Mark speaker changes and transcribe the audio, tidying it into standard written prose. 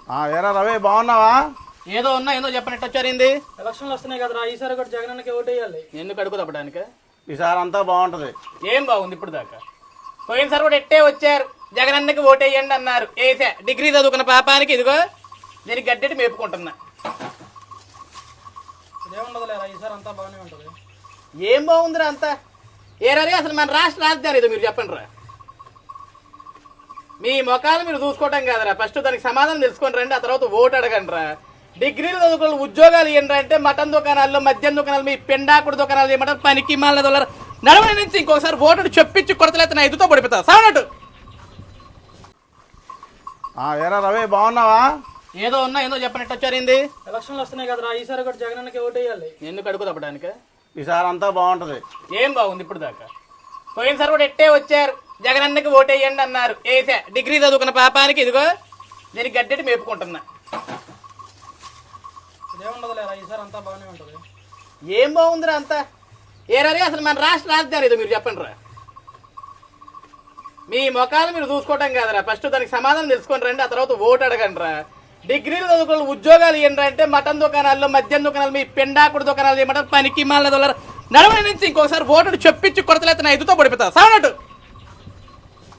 Speaker 1: ఏరా రవి బాగున్నావా?
Speaker 2: ఏదో ఉన్నా ఏదో చెప్పనట్టు వచ్చారింది.
Speaker 3: ఎలక్షన్లు వస్తున్నాయి కదరా, ఈసారి కూడా జగనన్నకి ఓటేయాలి.
Speaker 2: ఎందుకు అడుగు తప్పడానికి?
Speaker 1: ఈసారి అంతా బాగుంటది.
Speaker 2: ఏం బాగుంది ఇప్పుడు దాకా? పోయినసారి కూడా ఎట్టే వచ్చారు, జగనన్నకి ఓటేయండి అన్నారు, ఏసా డిగ్రీ చదువుకున్న పాపానికి ఇదిగో దీనికి గడ్డెట్టి మేపుకుంటున్నా.
Speaker 3: ఇదేముండదు లేరా, ఈసారి అంతా బాగానే ఉంటుంది.
Speaker 2: ఏం బాగుందిరా అంతా? ఏరాది అసలు మన రాష్ట్ర రాజధాని ఏదో మీరు చెప్పండి రా. మీ ముఖాలు మీరు చూసుకోవటం కాదురా, ఫస్ట్ దానికి సమాధానం తెలుసుకొని రండి, ఆ తర్వాత ఓటు అడగండి రా. డిగ్రీలు చదువుకున్న ఉద్యోగాలు ఇవ్వండి అంటే మటన్ దుకాణాల్లో, మద్యం దుకాణాలు, మీ పెండాకుడు దుకాణాలు ఏమంటారు, పనికి మాల దొల్లరు నడవడి నుంచి ఇంకోసారి ఓటును చెప్పించి కొడతలైతే నా ఎదుతో పడిపోతా సావనట్టు.
Speaker 1: ఏరా రవి బాగున్నావా?
Speaker 2: ఏదో ఉన్నా ఏదో చెప్పనట్టు వచ్చారింది.
Speaker 3: ఎలక్షన్లు వస్తున్నాయి కదరా, ఈసారి కూడా జగనన్నకి ఓటేయాలి.
Speaker 2: ఎందుకు అడుగు తప్పడానికి?
Speaker 1: ఈసారి అంతా బాగుంటది.
Speaker 2: ఏం బాగుంది ఇప్పుడు దాకా? పోయినసారి కూడా ఎట్టే వచ్చారు, జగనన్నకి ఓటేయండి అన్నారు, ఏసా డిగ్రీ చదువుకున్న పాపానికి ఇదిగో దీనికి గడ్డెట్టి మేపుకుంటున్నా.
Speaker 3: ఇదేముండదు లేరా, ఈసారి అంతా బాగానే ఉంటుంది.
Speaker 2: ఏం బాగుందిరా అంతా? ఏరాది అసలు మన రాష్ట్ర రాజధాని ఏదో మీరు చెప్పండి రా. మీ ముఖాలు మీరు చూసుకోవటం కాదురా, ఫస్ట్ దానికి సమాధానం తెలుసుకొని రండి, ఆ తర్వాత ఓటు అడగండి రా. డిగ్రీలు చదువుకున్న ఉద్యోగాలు ఇవ్వండి అంటే మటన్ దుకాణాల్లో, మద్యం దుకాణాలు, మీ పెండాకుడు దుకాణాలు ఏమంటారు, పనికి మాల దొల్లరు నడవడి నుంచి ఇంకోసారి ఓటును చెప్పించి కొడతలైతే నా ఎదుతో పడిపోతా సావనట్టు.